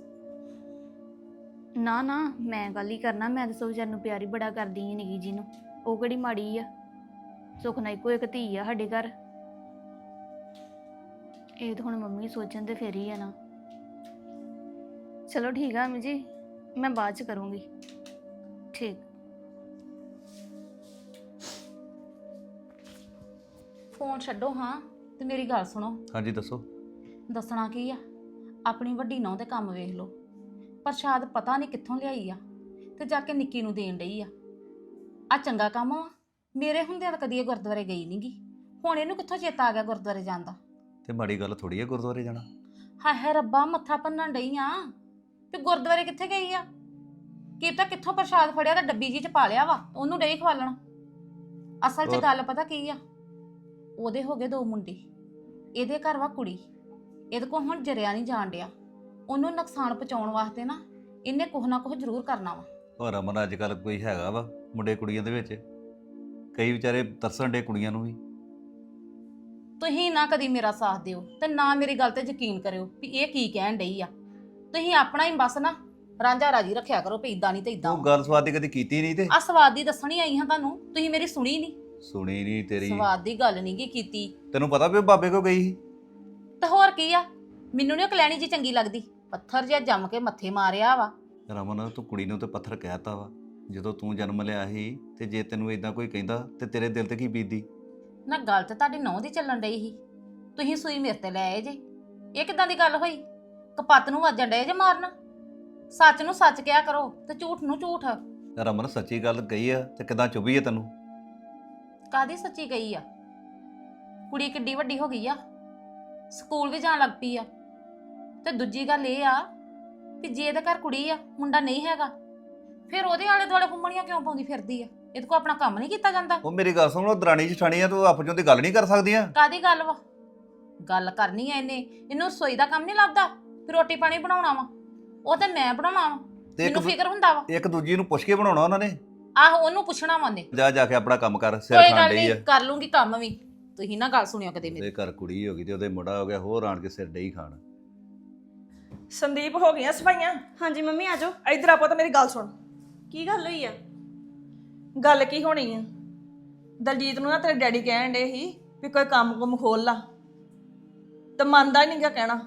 Speaker 2: ਨਾ ਨਾ ਮੈਂ ਗੱਲ ਹੀ ਕਰਨਾ, ਮੈਂ ਤਾਂ ਸੋ ਵਿਚਾਰ ਨੂੰ ਪਿਆਰ ਹੀ ਬੜਾ ਕਰਦੀ ਹਾਂ ਨਿੱਕੀ ਜੀ ਨੂੰ, ਉਹ ਕਿਹੜੀ ਮਾੜੀ ਆ। ਸੁੱਖ ਨਾਲ ਇੱਕੋ ਇੱਕ ਧੀ ਆ ਸਾਡੇ ਘਰ। ਇਹ ਤਾਂ ਹੁਣ ਮੰਮੀ ਸੋਚਣ ਤੇ ਫੇਰ ਹੀ ਆ ਨਾ। ਚਲੋ ਠੀਕ ਆ ਮੰਮੀ ਜੀ, ਮੈਂ ਬਾਅਦ ਚ ਕਰੂੰਗੀ। ਠੀਕ।
Speaker 1: ਫੋਨ ਛੱਡੋ ਹਾਂ ਤੇ ਮੇਰੀ ਗੱਲ ਸੁਣੋ।
Speaker 9: ਹਾਂਜੀ ਦੱਸੋ।
Speaker 1: ਦੱਸਣਾ ਕੀ ਆ, ਆਪਣੀ ਵੱਡੀ ਨੌਂ ਦੇ ਕੰਮ ਵੇਖ ਲਓ। ਪ੍ਰਸ਼ਾਦ ਪਤਾ ਨਹੀਂ ਕਿੱਥੋਂ ਲਿਆਈ ਆ ਤੇ ਜਾ ਕੇ ਨਿੱਕੀ ਨੂੰ ਦੇਣ ਡਈ ਆ ਚੰਗਾ ਕੰਮ ਆ। ਮੇਰੇ ਹੁੰਦਿਆਂ ਤਾਂ ਕਦੀ ਇਹ ਗੁਰਦੁਆਰੇ ਗਈ ਨੀ ਗੀ, ਹੁਣ ਇਹਨੂੰ ਕਿੱਥੋਂ ਚੇਤਾ ਆ ਗਿਆ ਗੁਰਦੁਆਰੇ ਜਾਣ ਦਾ?
Speaker 9: ਤੇ ਮਾੜੀ ਗੱਲ ਥੋੜੀ ਹੈ ਗੁਰਦੁਆਰੇ ਜਾਣਾ।
Speaker 1: ਹਾਏ ਹਾਏ ਰੱਬਾ, ਮੱਥਾ ਭੰਨਣ ਡਈ ਆ ਤੇ ਗੁਰਦੁਆਰੇ ਕਿੱਥੇ ਗਈ ਆ? ਕੀ ਪਤਾ ਕਿੱਥੋਂ ਪ੍ਰਸ਼ਾਦ ਫੜਿਆ ਤਾਂ ਡੱਬੀ ਜੀ ਚ ਪਾ ਲਿਆ ਵਾ, ਉਹਨੂੰ ਡਈ ਖਵਾਲਣ। ਅਸਲ 'ਚ ਗੱਲ ਪਤਾ ਕੀ ਆ, ਉਹਦੇ ਹੋ ਗਏ 2 ਮੁੰਡੇ, ਇਹਦੇ ਘਰ ਵਾ ਕੁੜੀ, ਇਹਦੇ ਕੋਲ ਹੁਣ ਜਰਿਆ ਨਹੀਂ ਜਾਣ ਡਿਆ। ਉਹਨੂੰ ਨੁਕਸਾਨ ਪਹੁੰਚਾਉਣ ਵਾਸਤੇ ਨਾ ਇਹਨੇ ਕੁਛ ਨਾ ਕੁਛ ਜ਼ਰੂਰ ਕਰਨਾ ਵਾ।
Speaker 9: ਔਰ ਰਮਨ ਅੱਜ ਕੱਲ ਕੋਈ ਹੈਗਾ ਵਾ ਮੁੰਡੇ ਕੁੜੀਆਂ ਦੇ ਵਿੱਚ? ਕਈ ਵਿਚਾਰੇ ਤਰਸਣ ਡੇ ਕੁੜੀਆਂ ਨੂੰ ਵੀ।
Speaker 1: ਤੁਸੀਂ ਨਾ ਕਦੀ ਮੇਰਾ ਸਾਥ ਦਿਓ ਤੇ ਨਾ ਮੇਰੀ ਗੱਲ ਤੇ ਯਕੀਨ ਕਰਿਓ ਵੀ ਇਹ ਕੀ ਕਹਿਣ ਡਈ ਆ। ਤੁਸੀਂ ਆਪਣਾ ਹੀ ਬਸ ਨਾ ਰਾਂਝਾ ਰਾਜੀ ਰੱਖਿਆ ਕਰੋ ਵੀ ਇਦਾਂ ਨਹੀਂ ਤੇ ਇਦਾਂ।
Speaker 9: ਉਹ ਗੱਲ ਸਵਾਦ ਦੀ ਕਦੀ ਕੀਤੀ ਨਹੀਂ ਤੇ
Speaker 1: ਆ ਸਵਾਦ ਦੀ ਦੱਸਣੀ ਆਈ ਹਾਂ ਤੁਹਾਨੂੰ, ਤੁਸੀਂ ਮੇਰੀ ਸੁਣੀ ਨਹੀਂ।
Speaker 9: ਸੁਣੀ ਨਹੀਂ ਤੇਰੀ।
Speaker 1: ਸਵਾਦ ਦੀ ਗੱਲ ਨਹੀਂ ਗੀ ਕੀਤੀ।
Speaker 9: ਤੈਨੂੰ ਪਤਾ ਵੀ ਉਹ ਬਾਬੇ ਕੋ ਗਈ ਸੀ?
Speaker 1: ਤੇ ਹੋਰ ਕੀ ਆ, ਮੈਨੂੰ ਨੀ ਕਲੈਣੀ ਜੀ ਚੰਗੀ ਲੱਗਦੀ, ਪੱਥਰ ਜਿਹਾ ਜੰਮ ਕੇ ਮੱਥੇ ਮਾਰਿਆ ਵਾ।
Speaker 9: ਰਮਨ ਤੂੰ ਕੁੜੀ ਨੂੰ ਤੇ ਪੱਥਰ ਕਹਿਤਾ ਵਾ, ਜਦੋਂ ਤੂੰ ਜਨਮ ਲਿਆ ਸੀ ਤੇ ਜੇ ਤੈਨੂੰ ਇਦਾਂ ਕੋਈ ਕਹਿੰਦਾ ਤੇ ਤੇਰੇ ਦਿਲ ਤੇ ਕੀ ਬੀਤਦੀ?
Speaker 1: ਨਾ ਗੱਲ ਤੇ ਤੁਹਾਡੀ ਨਹੁੰ ਦੀ ਚੱਲਣ ਡਈ ਸੀ, ਤੁਸੀਂ ਸੂਈ ਮੇਰੇ ਤੇ ਲੈ ਆਏ ਜੇ। ਇਹ ਕਿਦਾਂ ਦੀ ਗੱਲ ਹੋਈ? ਕਪੱਤ ਨੂੰ ਵੱਜਣ ਡਏ ਜੇ ਮਾਰਨ। ਸੱਚ ਨੂੰ ਸੱਚ ਕਿਹਾ ਕਰੋ ਤੇ ਝੂਠ ਨੂੰ ਝੂਠ।
Speaker 9: ਰਮਨ ਸੱਚੀ ਗੱਲ ਕਹੀ ਆ ਤੇ ਕਿਦਾਂ ਚੁੱਭੀ ਆ ਤੈਨੂੰ?
Speaker 1: ਕਾਦੀ ਸੱਚੀ ਗਈ ਆ? ਕੁੜੀ ਕਿੱਡੀ ਵੱਡੀ ਹੋ ਗਈ ਆ, ਸਕੂਲ ਵੀ ਜਾਣ ਲੱਗ ਪਈ ਆ। ਤੇ ਦੂਜੀ ਗੱਲ ਇਹ ਆ ਕਿ ਜੇ ਇਹਦੇ ਘਰ ਕੁੜੀ ਆ, ਮੁੰਡਾ ਨਹੀਂ ਹੈਗਾ, ਫਿਰ ਉਹਦੇ ਆਲੇ ਦੁਆਲੇ ਫੁੰਮਣੀਆਂ ਕਿਉਂ ਪਾਉਂਦੀ ਫਿਰਦੀ ਆ? ਇਹਦੇ ਕੋਲ ਆਪਣਾ ਕੰਮ ਨਹੀਂ ਕੀਤਾ ਜਾਂਦਾ?
Speaker 9: ਉਹ ਮੇਰੀ ਗੱਲ ਸੁਣ, ਉਹ ਦਰਾਣੀ ਜਠਾਣੀ ਆ, ਤੂੰ ਆਪਸ ਦੀ ਗੱਲ ਨਹੀਂ ਕਰ ਸਕਦੀਆਂ?
Speaker 1: ਕਾਦੀ ਗੱਲ ਵਾ? ਗੱਲ ਕਰਨੀ ਆ ਇਹਨੂੰ ਰਸੋਈ ਦਾ ਕੰਮ ਨਹੀਂ ਲੱਭਦਾ, ਫਿਰ ਰੋਟੀ ਪਾਣੀ ਬਣਾਉਣਾ ਵਾ ਉਹ ਤੇ ਮੈਂ ਬਣਾਉਣਾ ਵਾ। ਮੈਨੂੰ ਫਿਕਰ ਹੁੰਦਾ ਵਾ।
Speaker 9: ਇੱਕ ਦੂਜੀ ਨੂੰ ਪੁੱਛ ਕੇ ਬਣਾਉਣਾ ਉਹਨਾਂ ਨੇ।
Speaker 1: ਆਹੋ ਉਹਨੂੰ ਪੁੱਛਣਾ ਵਾ ਉਹਨੇ।
Speaker 9: ਜਾ ਕੇ ਆਪਣਾ ਕੰਮ ਕਰ, ਸਿਰ
Speaker 1: ਕੋਈ
Speaker 9: ਖਾਣ
Speaker 1: ਗੱਲ
Speaker 9: ਡਈ
Speaker 1: ਨਹੀਂ,
Speaker 9: ਆ।
Speaker 1: ਕਰ ਲੂੰਗੀ ਕੰਮ ਵੀ। ਤੁਸੀਂ ਨਾ ਗੱਲ ਸੁਣਿਓ ਕਦੇ ਮੇਰੀ।
Speaker 9: ਉਹਦੇ ਘਰ ਕੁੜੀ ਹੋ ਗਈ ਤੇ ਉਹਦੇ ਮੁੰਡਾ ਹੋ ਗਿਆ, ਹੋਰ ਆਣ ਕੇ ਸਿਰ ਡਈ ਖਾਣ।
Speaker 8: ਸੰਦੀਪ ਹੋ ਗਈਆਂ ਸਫਾਈਆਂ?
Speaker 10: ਹਾਂਜੀ ਮੰਮੀ ਆ ਜਾਓ।
Speaker 8: ਇੱਧਰ ਆਪੋ ਤਾਂ ਮੇਰੀ ਗੱਲ ਸੁਣ।
Speaker 10: ਕੀ ਗੱਲ ਹੋਈ ਆ?
Speaker 8: ਗੱਲ ਕੀ ਹੋਣੀ ਆ, ਦਲਜੀਤ ਨੂੰ ਨਾ ਤੇਰੇ ਡੈਡੀ ਕਹਿਣ ਡੇ ਸੀ ਵੀ ਕੋਈ ਕੰਮ ਕੁਮ ਖੋਲ ਲਾ, ਤੇ ਮੰਨਦਾ ਹੀ ਨਹੀਂ ਗਾ ਕਹਿਣਾ।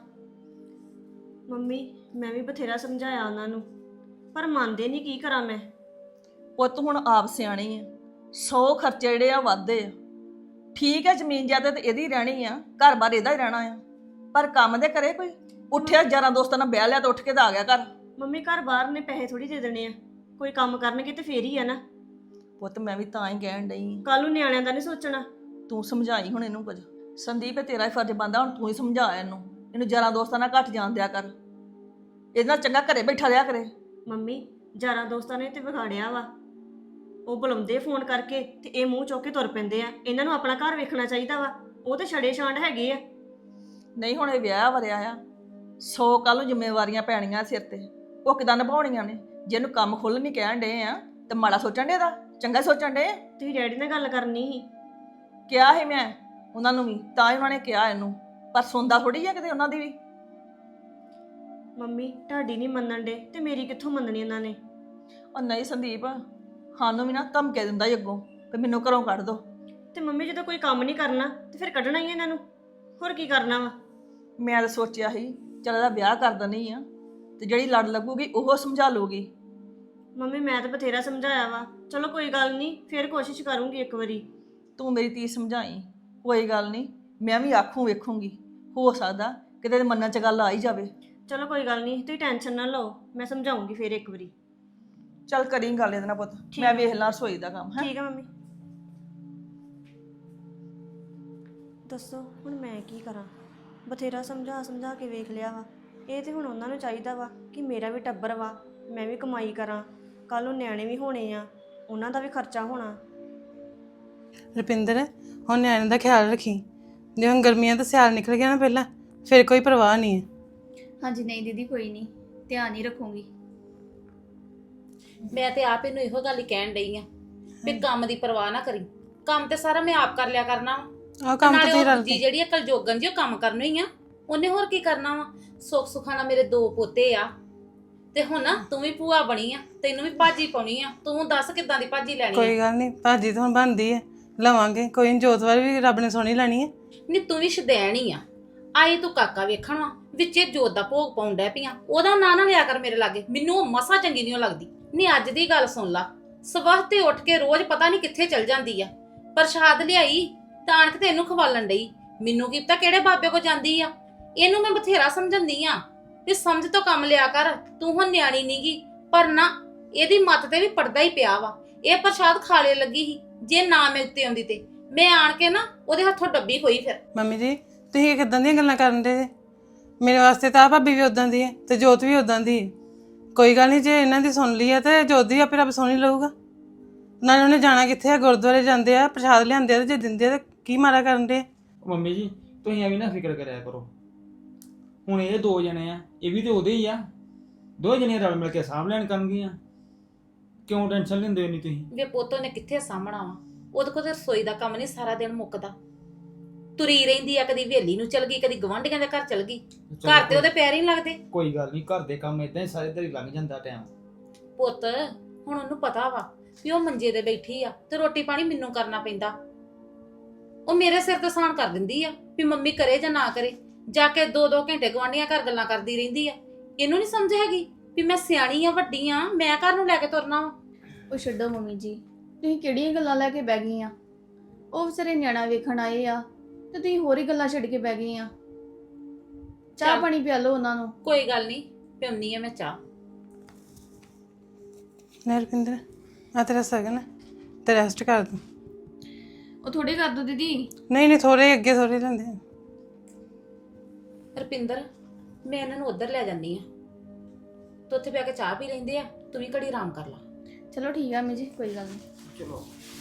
Speaker 10: ਮੰਮੀ ਮੈਂ ਵੀ ਬਥੇਰਾ ਸਮਝਾਇਆ ਉਹਨਾਂ ਨੂੰ, ਪਰ ਮੰਨਦੇ ਨਹੀਂ। ਕੀ ਕਰਾਂ ਮੈਂ?
Speaker 8: ਪੁੱਤ ਹੁਣ ਆਪ ਸਿਆਣੀ ਆ, 100 ਖਰਚੇ ਜਿਹੜੇ ਆ ਵਾਧੇ ਆ। ਠੀਕ ਹੈ ਜ਼ਮੀਨ ਜਾਇਦਾਦ ਤੇ ਇਹਦੀ ਰਹਿਣੀ ਆ, ਘਰ-ਬਾਰ ਇਹਦਾ ਹੀ ਰਹਿਣਾ ਆ, ਪਰ ਕੰਮ ਦੇ ਕਰੇ ਕੋਈ। ਉੱਠਿਆ ਯਾਰਾਂ ਦੋਸਤਾਂ ਨਾਲ ਵਿਆਹ ਲਿਆ ਤਾਂ ਉੱਠ ਕੇ ਤਾਂ ਆ ਗਿਆ ਘਰ।
Speaker 10: ਮੰਮੀ ਘਰ ਬਾਹਰ ਨੇ ਪੈਸੇ ਥੋੜੀ ਦੇ ਦੇਣੇ ਆ, ਕੋਈ ਕੰਮ ਕਰਨਗੇ ਤੇ ਫੇਰ ਹੀ ਆ ਨਾ।
Speaker 8: ਪੁੱਤ ਮੈਂ ਵੀ ਤਾਂ ਹੀ ਕਹਿਣ ਡਈ।
Speaker 10: ਕੱਲ ਨੂੰ ਨਿਆਣਿਆਂ ਦਾ ਨਹੀਂ ਸੋਚਣਾ।
Speaker 8: ਤੂੰ ਸਮਝਾਈ ਹੁਣ ਇਹਨੂੰ ਕੁਝ। ਸੰਦੀਪ ਤੇਰਾ ਹੀ ਫਰਜ਼ ਬਣਦਾ, ਹੁਣ ਤੂੰ ਹੀ ਸਮਝਾ ਇਹਨੂੰ ਯਾਰਾਂ ਦੋਸਤਾਂ ਨਾਲ ਘੱਟ ਜਾਣ ਦਿਆ ਕਰ, ਇਹਦੇ ਨਾਲ ਚੰਗਾ ਘਰੇ ਬੈਠਾ ਰਿਹਾ ਕਰੇ।
Speaker 10: ਮੰਮੀ ਯਾਰਾਂ ਦੋਸਤਾਂ ਨੇ ਤੇ ਵਿਗਾੜਿਆ ਵਾ, ਉਹ ਬੁਲਾਉਂਦੇ ਫੋਨ ਕਰਕੇ ਤੇ ਇਹ ਮੂੰਹ ਚੁੱਕ ਕੇ ਤੁਰ ਪੈਂਦੇ ਆ। ਇਹਨਾਂ ਨੂੰ ਆਪਣਾ ਘਰ ਵੇਖਣਾ ਚਾਹੀਦਾ ਵਾ, ਉਹ ਤੇ ਛੜੇ ਛਾਂਡ ਹੈਗੇ ਆ।
Speaker 8: ਨਹੀਂ ਹੁਣ ਇਹ ਵਿਆਹ ਵਰਿਆ ਆ, 100 ਕੱਲ ਨੂੰ ਜ਼ਿੰਮੇਵਾਰੀਆਂ ਪੈਣੀਆਂ ਸਿਰ ਤੇ। ਉਹ ਕਿਦਾਂ ਨਿਭਾਉਣੀਆਂ ਨੇ। ਜੇ ਇਹਨੂੰ ਕੰਮ ਖੁੱਲ੍ਹ ਨਹੀਂ ਕਹਿਣ ਡੇ ਆ ਤੇ ਮਾੜਾ ਸੋਚਣ ਡੇ ਦਾ, ਚੰਗਾ ਸੋਚਣ ਡੇ।
Speaker 10: ਤੁਸੀਂ ਡੈਡੀ ਨਾਲ ਗੱਲ ਕਰਨੀ ਸੀ।
Speaker 8: ਕਿਹਾ ਸੀ ਮੈਂ ਉਹਨਾਂ ਨੂੰ ਵੀ, ਤਾਂ ਹੀ ਉਹਨਾਂ ਨੇ ਕਿਹਾ ਇਹਨੂੰ, ਪਰ ਸੁਣਦਾ ਥੋੜੀ ਆ ਕਿਤੇ ਉਹਨਾਂ ਦੀ ਵੀ।
Speaker 10: ਮੰਮੀ ਤੁਹਾਡੀ ਨਹੀਂ ਮੰਨਣ ਡੇ ਤੇ ਮੇਰੀ ਕਿੱਥੋਂ ਮੰਨਣੀ ਇਹਨਾਂ ਨੇ।
Speaker 8: ਉਹ ਨਹੀਂ ਸੰਦੀਪ, ਸਾਨੂੰ ਵੀ ਨਾ ਧਮਕੇ ਦਿੰਦਾ ਈ ਅੱਗੋਂ ਕਿ ਮੈਨੂੰ ਘਰੋਂ ਕੱਢ ਦੋ।
Speaker 10: ਤੇ ਮੰਮੀ ਜਦੋਂ ਕੋਈ ਕੰਮ ਨਹੀਂ ਕਰਨਾ ਤੇ ਫਿਰ ਕੱਢਣਾ ਹੀ ਇਹਨਾਂ ਨੂੰ, ਹੋਰ ਕੀ ਕਰਨਾ ਵਾ।
Speaker 8: ਮੈਂ ਤਾਂ ਸੋਚਿਆ ਸੀ ਚੱਲ ਇਹਦਾ ਵਿਆਹ ਕਰ ਦਿੰਦੀ ਆ ਤੇ ਜਿਹੜੀ ਲੜ ਲੱਗੂਗੀ ਉਹ ਸਮਝਾ ਲੂਗੀ।
Speaker 10: ਮੰਮੀ ਮੈਂ ਤਾਂ ਬਥੇਰਾ ਸਮਝਾਇਆ ਵਾ, ਚਲੋ ਕੋਈ ਗੱਲ ਨਹੀਂ, ਫਿਰ ਕੋਸ਼ਿਸ਼ ਕਰੂੰਗੀ ਇੱਕ ਵਾਰੀ।
Speaker 8: ਤੂੰ ਮੇਰੀ ਧੀ ਸਮਝਾਈ, ਕੋਈ ਗੱਲ ਨਹੀਂ, ਮੈਂ ਵੀ ਆਖੂੰ ਵੇਖੂੰਗੀ, ਹੋ ਸਕਦਾ ਕਿਤੇ ਇਹਦੇ ਮਨਾਂ 'ਚ ਗੱਲ ਆ ਹੀ ਜਾਵੇ।
Speaker 10: ਚਲੋ ਕੋਈ ਗੱਲ ਨਹੀਂ, ਤੁਸੀਂ ਟੈਨਸ਼ਨ ਨਾ ਲਓ, ਮੈਂ ਸਮਝਾਉਂਗੀ ਫਿਰ ਇੱਕ ਵਾਰੀ।
Speaker 8: ਚੱਲ ਕਰੀ ਗੱਲ ਇਹਦੇ ਨਾਲ ਪੁੱਤ, ਮੈਂ ਵੇਖ ਲਾਂ ਰਸੋਈ ਦਾ ਕੰਮ ਹੈ।
Speaker 10: ਠੀਕ ਹੈ ਮੰਮੀ। ਦੱਸੋ ਹੁਣ ਮੈਂ ਕੀ ਕਰਾਂ, ਬਥੇਰਾ ਸਮਝਾ ਕੇ ਵੇਖ ਲਿਆ ਵਾ। ਇਹ ਤੇ ਹੁਣ ਉਹਨਾਂ ਨੂੰ ਚਾਹੀਦਾ ਵਾ ਕਿ ਮੇਰਾ ਵੀ ਟੱਬਰ ਵਾ, ਮੈਂ ਵੀ ਕਮਾਈ ਕਰਾਂ, ਕੱਲ ਨੂੰ ਨਿਆਣੇ ਵੀ ਹੋਣੇ ਆ, ਉਹਨਾਂ ਦਾ ਵੀ ਖਰਚਾ ਹੋਣਾ।
Speaker 11: ਰੁਪਿੰਦਰ, ਹੁਣ ਨਿਆਣੇ ਦਾ ਖਿਆਲ ਰੱਖੀ। ਜੇ ਹੁਣ ਗਰਮੀਆਂ ਦਾ ਸਿਆਲ ਨਿਕਲ ਗਿਆ ਨਾ ਪਹਿਲਾਂ, ਫਿਰ ਕੋਈ ਪਰਵਾਹ ਨਹੀਂ ਹੈ।
Speaker 2: ਹਾਂਜੀ ਨਹੀਂ ਦੀਦੀ, ਕੋਈ ਨਹੀਂ, ਧਿਆਨ ਹੀ ਰੱਖੂੰਗੀ।
Speaker 1: ਮੈਂ ਤੇ ਆਪ ਇਹਨੂੰ ਇਹੋ ਗੱਲ ਹੀ ਕਹਿਣ ਡਈ ਆ ਵੀ ਕੰਮ ਦੀ ਪਰਵਾਹ ਨਾ ਕਰੀ, ਕੰਮ ਤੇ ਸਾਰਾ ਮੈਂ ਆਪ ਕਰ ਲਿਆ ਕਰਨਾ ਵਾ।
Speaker 11: ਆਹ ਕੰਮ ਤਾਂ
Speaker 1: ਨਾਲੇ
Speaker 11: ਤੁਸੀਂ
Speaker 1: ਉਹ
Speaker 11: ਰਲ
Speaker 1: ਦੂਜੀ
Speaker 11: ਕੇ
Speaker 1: ਜਿਹੜੀ ਆ ਕਲਜੋਗਨ ਜੀ, ਉਹ ਕੰਮ ਕਰਨਾ ਹੀ ਆ, ਉਹਨੇ ਹੋਰ ਕੀ ਕਰਨਾ ਵਾ। ਸੁੱਖ ਸੁਖਾਣਾ ਮੇਰੇ 2 ਪੋਤੇ ਆ, ਤੇ ਹੁਣ ਨਾ ਤੂੰ ਵੀ ਭੂਆ ਬਣੀ ਆ, ਤੈਨੂੰ ਵੀ ਭਾਜੀ ਪਾਉਣੀ ਆ। ਤੂੰ ਦੱਸ ਕਿੱਦਾਂ ਦੀ ਭਾਜੀ ਲੈਣੀ ਆ।
Speaker 11: ਕੋਈ ਗੱਲ ਨਹੀਂ, ਭਾਜੀ ਤਾਂ ਹੁਣ ਬਣਦੀ ਹੈ, ਲਵਾਂਗੇ। ਕੋਈ ਨੀ, ਜੋਤ ਵਾਲੀ ਵੀ ਰੱਬ ਨੇ ਸੋਹਣੀ ਲੈਣੀ ਹੈ।
Speaker 1: ਨਹੀਂ ਤੂੰ ਵੀ ਸ਼ਦੈਣ ਹੀ ਆ। ਆਈ ਤੂੰ ਕਾਕਾ ਵੇਖਣ ਵਾ, ਵਿੱਚੇ ਜੋਤ ਦਾ ਭੋਗ ਪਾਉਣ ਡੈ ਪਈਆਂ। ਉਹਦਾ ਨਾਂ ਨਾ ਲਿਆ ਕਰ ਮੇਰੇ ਲਾਗੇ, ਮੈਨੂੰ ਉਹ ਮਸਾ ਚੰਗੀ ਨਹੀਂ ਲੱਗਦੀ। ਨਹੀਂ ਅੱਜ ਦੀ ਗੱਲ ਸੁਣ ਲਾ, ਸਵੇਰ ਤੇ ਉੱਠ ਕੇ ਰੋਜ਼ ਪਤਾ ਨਹੀਂ ਕਿੱਥੇ ਚਲ ਜਾਂਦੀ ਆ, ਪ੍ਰਸ਼ਾਦ ਲਿਆਈ ਤਾਣ ਕੇ ਤੇ ਇਹਨੂੰ ਖਵਾਲਣ ਡਈ। ਮੈਨੂੰ ਕੀ ਪਤਾ ਕਿਹੜੇ ਬਾਬੇ ਕੋ ਜਾਂਦੀ ਆ। ਇਹਨੂੰ ਮੈਂ ਬਥੇਰਾ ਸਮਝਾਉਂਦੀ ਆ ਵੀ ਸਮਝ ਤੋਂ ਕੰਮ ਲਿਆ ਕਰ, ਤੂੰ ਹੁਣ ਨਿਆਣੀ ਨੀਗੀ। ਪਰ ਨਾ, ਇਹਦੀ ਮੱਤ ਤੇ ਵੀ ਪੜਦਾ ਹੀ ਪਿਆ ਵਾ। ਇਹ ਪ੍ਰਸ਼ਾਦ ਖਾਲੇ ਲੱਗੀ ਸੀ, ਜੇ ਨਾ ਮੈਂ ਉੱਤੇ ਆਉਂਦੀ ਤੇ ਮੈਂ ਆਣ ਕੇ ਨਾ ਉਹਦੇ ਹੱਥੋਂ ਡੱਬੀ ਹੋਈ। ਫਿਰ
Speaker 11: ਮੰਮੀ ਜੀ, ਤੁਸੀਂ ਕਿੱਦਾਂ ਦੀਆਂ ਗੱਲਾਂ ਕਰਨ ਦੇ? ਮੇਰੇ ਵਾਸਤੇ ਤਾਂ ਆਹ ਭਾਬੀ ਵੀ ਉਦਾਂ ਦੀ ਹੈ ਤੇ ਜੋਤ ਵੀ ਉਦਾਂ ਦੀ ਹੈ। ਕੋਈ ਗੱਲ ਨਹੀਂ, ਜੇ ਇਹਨਾਂ ਦੀ ਸੁਣ ਲਈ ਹੈ ਤੇ ਜੋਤ ਦੀ ਆਪੇ ਰੱਬ ਸੁਣ ਹੀ ਲਊਗਾ। ਨਾਲੇ ਉਹਨੇ ਜਾਣਾ ਕਿੱਥੇ ਆ? ਗੁਰਦੁਆਰੇ ਜਾਂਦੇ ਆ, ਪ੍ਰਸ਼ਾਦ ਲਿਆਂਦੇ ਆ, ਤੇ ਜੇ ਦਿੰਦੇ ਆ ਤੇ ਕੀ ਮਾਰਾ ਕਰਨ ਦੇ?
Speaker 3: ਮੰਮੀ ਜੀ ਤੁਸੀਂ ਐਵੇਂ ਨਾ ਫਿਕਰ ਕਰਿਆ ਕਰੋ। ਹੁਣ ਇਹ 2 ਜਣੇ ਆ, ਇਹ ਵੀ ਤੇ ਉਹਦੇ ਹੀ ਆ। 2 ਜਣੇ ਰਲ ਮਿਲ ਕੇ ਸਾਂਭ ਲੈਣ ਕਰਨਗੀਆਂ। ਕਿਉਂ ਟੈਨਸ਼ਨ ਲੈਂਦੇ ਹੋ ਨਹੀਂ ਤੁਸੀਂ?
Speaker 1: ਵੇ ਪੁੱਤੋਂ ਨੇ ਕਿੱਥੇ ਸਾਹਮਣਾ ਵਾ, ਉਹਦੇ ਕੋਲ ਤੇ ਰਸੋਈ ਦਾ ਕੰਮ ਨਹੀਂ ਸਾਰਾ ਦਿਨ ਮੁੱਕਦਾ। ਤੁਰੀ ਰਹਿੰਦੀ ਆ, ਕਦੀ ਹਵੇਲੀ ਨੂੰ ਚਲ ਗਈ, ਕਦੀ ਗਵਾਂਢੀਆਂ ਦੇ ਘਰ ਚਲ ਗਈ। ਘਰ ਤੇ ਉਹਦੇ ਪੈਰ ਹੀ ਨਹੀਂ ਲੱਗਦੇ।
Speaker 3: ਕੋਈ ਗੱਲ ਨਹੀਂ, ਘਰ ਦੇ ਕੰਮ ਇਦਾਂ ਹੀ ਸਾਰੇ ਦਿਨ ਲੰਘ ਜਾਂਦਾ ਟਾਈਮ।
Speaker 1: ਪੁੱਤ ਹੁਣ ਉਹਨੂੰ ਪਤਾ ਵਾ ਵੀ ਉਹ ਮੰਜੇ ਤੇ ਬੈਠੀ ਆ ਤੇ ਰੋਟੀ ਪਾਣੀ ਮੈਨੂੰ ਕਰਨਾ ਪੈਂਦਾ। ਉਹ ਮੇਰੇ ਸਿਰ ਤੇ ਸਾਨ ਕਰ ਦਿੰਦੀ ਆ ਵੀ ਮੰਮੀ ਕਰੇ ਜਾਂ ਨਾ ਕਰੇ। ਜਾ ਕੇ 2-2 ਘੰਟੇ ਗਵਾਂਢੀਆਂ ਘਰ ਗੱਲਾਂ ਕਰਦੀ ਰਹਿੰਦੀ ਆ। ਇਹਨੂੰ ਨਹੀਂ ਸਮਝ ਹੈਗੀ ਵੀ ਮੈਂ ਸਿਆਣੀ ਆ, ਵੱਡੀ ਆ, ਮੈਂ ਘਰ ਨੂੰ ਲੈ ਕੇ ਤੁਰਨਾ ਵਾ।
Speaker 2: ਉਹ ਛੱਡੋ ਮੰਮੀ ਜੀ, ਤੁਸੀਂ ਕਿਹੜੀਆਂ ਗੱਲਾਂ ਲੈ ਕੇ ਬਹਿ ਗਈਆਂ? ਉਹ ਵਿਚਾਰੇ ਨਿਆਣਾ ਵੇਖਣ ਆਏ ਆ ਤੇ ਤੁਸੀਂ ਹੋਰ ਹੀ ਗੱਲਾਂ ਛੱਡ ਕੇ ਬਹਿ ਗਈਆਂ। ਚਾਹ
Speaker 1: ਚੱਲ।
Speaker 2: ਪਾਣੀ ਪਿਆ ਲਓ ਉਹਨਾਂ ਨੂੰ।
Speaker 1: ਕੋਈ ਗੱਲ ਨਹੀਂ, ਪਿਉਣੀ ਆ ਮੈਂ ਚਾਹ।
Speaker 11: ਨਹੀਂ ਰੁਪਿੰਦਰ, ਆ ਤੇਰਾ ਸਗਨ ਤੇ ਰੈਸਟ ਕਰ ਦੂੰ।
Speaker 2: ਉਹ ਥੋੜੇ ਕਰ ਦੋ ਦੀਦੀ।
Speaker 11: ਨਹੀਂ ਥੋੜੇ ਅੱਗੇ ਥੋੜੇ ਲੈਂਦੇ ਆ।
Speaker 1: ਰੁਪਿੰਦਰ, ਮੈਂ ਇਹਨਾਂ ਨੂੰ ਉੱਧਰ ਲੈ ਜਾਂਦੀ ਆ, ਤੂੰ ਉੱਥੇ ਬੈ ਕੇ ਚਾਹ ਪੀ ਲੈਂਦੇ ਆ, ਤੂੰ ਵੀ ਘੜੀ ਆਰਾਮ ਕਰ ਲਾ।
Speaker 2: ਚਲੋ ਠੀਕ ਆ ਮੰਮੀ ਜੀ, ਕੋਈ ਗੱਲ ਨਹੀਂ।
Speaker 3: ਚਲੋ